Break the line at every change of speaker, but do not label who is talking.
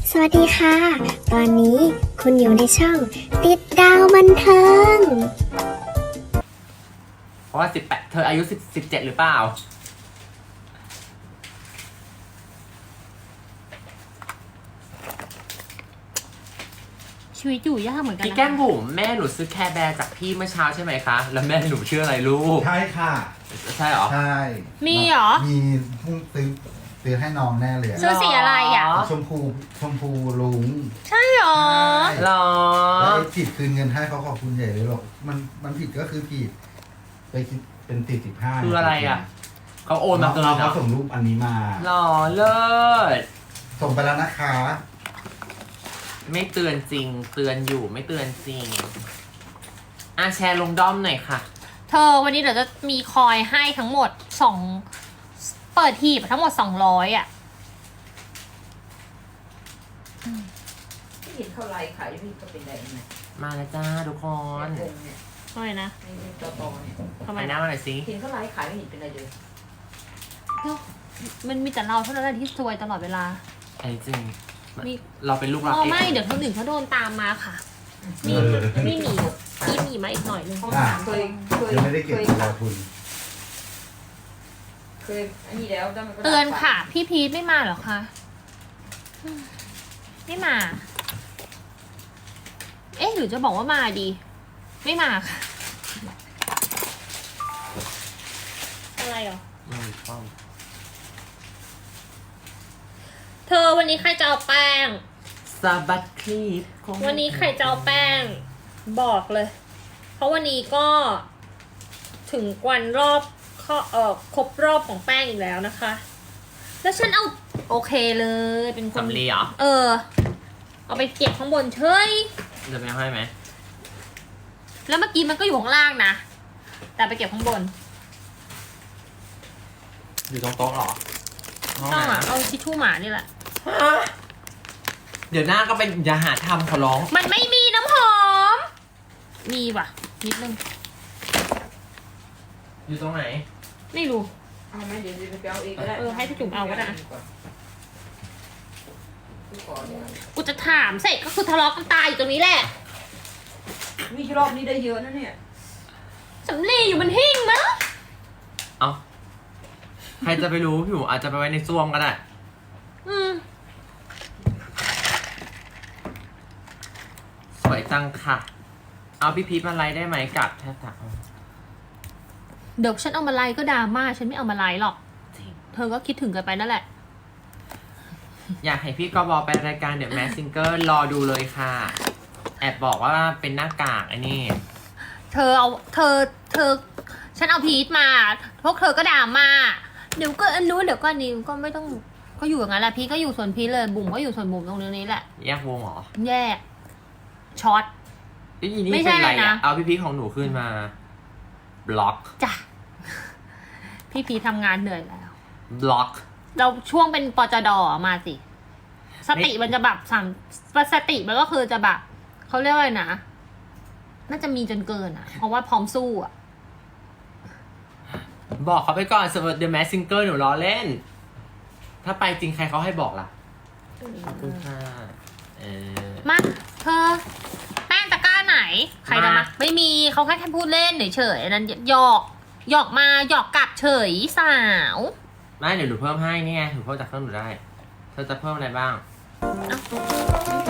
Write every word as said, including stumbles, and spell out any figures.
สวัสดีค่ะ ตอนนี้คุณอยู่ในช่องติดดาวบันเทิง
เพราะว่าสิบแปดเธออายุสิบสิบเจ็ดหรือเปล่า
ชีวิตอยู่ยากเหมือนกัน
พี่
นะ
แก้มบุ๋มแม่หนูซื้อแคร์แบร์จากพี่เมื่อเช้าใช่ไหมคะ แล้วแม่หนูชื่ออะไรลูก
ใช่ค่ะ
ใช่เหรอ
ใช่
มีเหรอ
มีเพิ่งซื้อซื้อให้น้องแน่เลยอะ
ซื้อสีอะไรอ่ะ
ชมพูชมพูลุง
ใช่เหรอ
ใช่
หรอ
แล้วไอ้ผิดคืนเงินให้เขาขอบคุณใหญ่เลยหรอกมันมันผิดก็คือผิดไปคิดเป็นสี่สิบห้า
คืออะไรอ่ะ เขาโอนมาเกิน
เรา
เหร
เขา
อ
ส่งรูปอันนี้มา
หรอเลิศ
ส่งไปแล้วนะคะ
ไม่เตือนจริง เตือนอยู่ไม่เตือนจริงอ่ะแชร์ลงด้อมหน่อยค่ะ
เธอวันนี้เดี๋ยวจะมีคอยให้ทั้งหมดสองเปิดทีบทั้งหมดสองร้อยอ่ะ
ที่เห็นเขาไลฟ์ขายพี่ก็เป็นได้ยังไง
มาแล้วจ้าทุกคน
วงเนี่ย
ทำไมนะ
ในตอตอเนี่ย
ทำไม
ไปหน้า
นะ
มาหน่อยสิ
เห็นเขาไลฟ์ขายไม่เห็นเป็นไรเลย
มันมีแต่เราเท่านั้นแหละที่ซวยตลอดเวลา
ไอ้จริง
มี
เราเป็นลูกรัก
อ๋อ
เอง
ไม่เดี๋ยวคนอื่นเขาโดนตามมาค่ะ มีมีหนีมีหนีมาอีกหน่อยนึง
เขาถามเคยเคย
ยังไม่ได้เก็บ
เคย
ตัวทุน
เคยอันนี้แล้วแล้วมันก็
เตือนค่ะ พี่พีทไม่มาเหรอคะอืมไม่มา เอ๊ะหรือจะบอกว่ามาดี ไม่มาค่ะ อะไรเหรอ
ไม่ต้อง
เธอวันนี้ใครจะเอาแป้ง
สะบัดคลีปคง
วันนี้ใครจะเอาแป้ง บอกเลย เพราะวันนี้ก็ถึงวันรอบข้อเอ่อครบรอบของแป้งอีกแล้วนะคะ แล้วฉันเอาโอเคเลยเป็นคน
สำลีเหรอ
เออ เอาไปเก็บข้างบนเฉย
จะไม่ให้ไหม
แล้วเมื่อกี้มันก็อยู่ข้างล่างนะ แต่ไปเก็บข้างบน
อยู่ตรงโต๊ะเหรอ
ต้องอ่ะเอาทิชชู่หมานี่แหละ
เดี๋ยวหน้าก็เป็นอย่าหาทำขอร้อง
มันไม่มีน้ำหอม มีว่ะ นิดนึง
อยู่ตรงไหน
ไม่รู้
เอาไหมเดี๋ยวจะไปเอาเองก็ได้
เออให้พี่จุ๋มเอาก็ได้
ดูก่อนเนี่ย
กูจะถามเสร็จก็คือทะเลาะกันตายอยู่ตรงนี้แหละ
มีรอบนี้ได้เยอะนะเนี่ย
สำลีอยู่บนหิ้งมั้ง
เอ้า ใครจะไปรู้พี่หมูอาจจะไปไว้ในซ่วมก็ได้
อืม
สวยจังค่ะ เอาพี่พีทมาไลฟ์ได้ไหมกับแทบตา
เดี๋ยวฉันเอามาไลฟ์ก็ดราม่าฉันไม่เอามาไลฟ์หรอก
จริง
เธอก็คิดถึงกันไปนั่นแหละ
อยากให้พี่กบอไปรายการเดอะแมสซิงเกิลรอดูเลยค่ะ แอบบอกว่าเป็นหน้ากากไอ้นี่
เธอเอาเธอเธอ ฉันเอาพีทมาพวกเธอก็ด่ามาเดี๋ยวก็อันนู้นเดี๋ยวก็อันนี้ก็ไม่ต้องก็อยู่อย่างนั้นแหละพีทก็อยู่ส่วนพีทเลยบุ๋มก็อยู่ส่วนบุ๋มตรงนี้แหละ
แยกวงเหรอ
แยกช็อต
ไอ้นี่
ไม่ใช่
เป็นไร
เลย
อ่ะ
นะ
เอาพี่พีทของหนูขึ้นมา บล็อก
จ้ะพี่พีททำงานเหนื่อยแล้ว
บล็อก
เราช่วงเป็นปจดมาสิ สติ
ไม่
มันจะแบบสั่งสติมันก็คือจะแบบเขาเรียกว่าอะไรนะ น่าจะมีจนเกินอ่ะ เพราะว่าพร้อมสู้อ่ะ
บอกเขาไปก่อนสำหรับเดอะแมสซิงเกิลหนูล้อเล่น ถ้าไปจริงใครเขาให้บอกล่ะ ขอบคุณค่ะ เออ
มาเธอ แป้งตะกร้าไหน ใครจะมา
มา
ไม่มีเขาแค่แค่พูดเล่นเฉยๆอันนั้นหยอกหยอกมาหยอกกลับเฉยสาว
ไม่เดี๋ยวหนูเพิ่มให้นี่ไงหนูเพิ่มจากเครื่องหนูได้ เธอจะเพิ่มอะไรบ้าง
เอ้า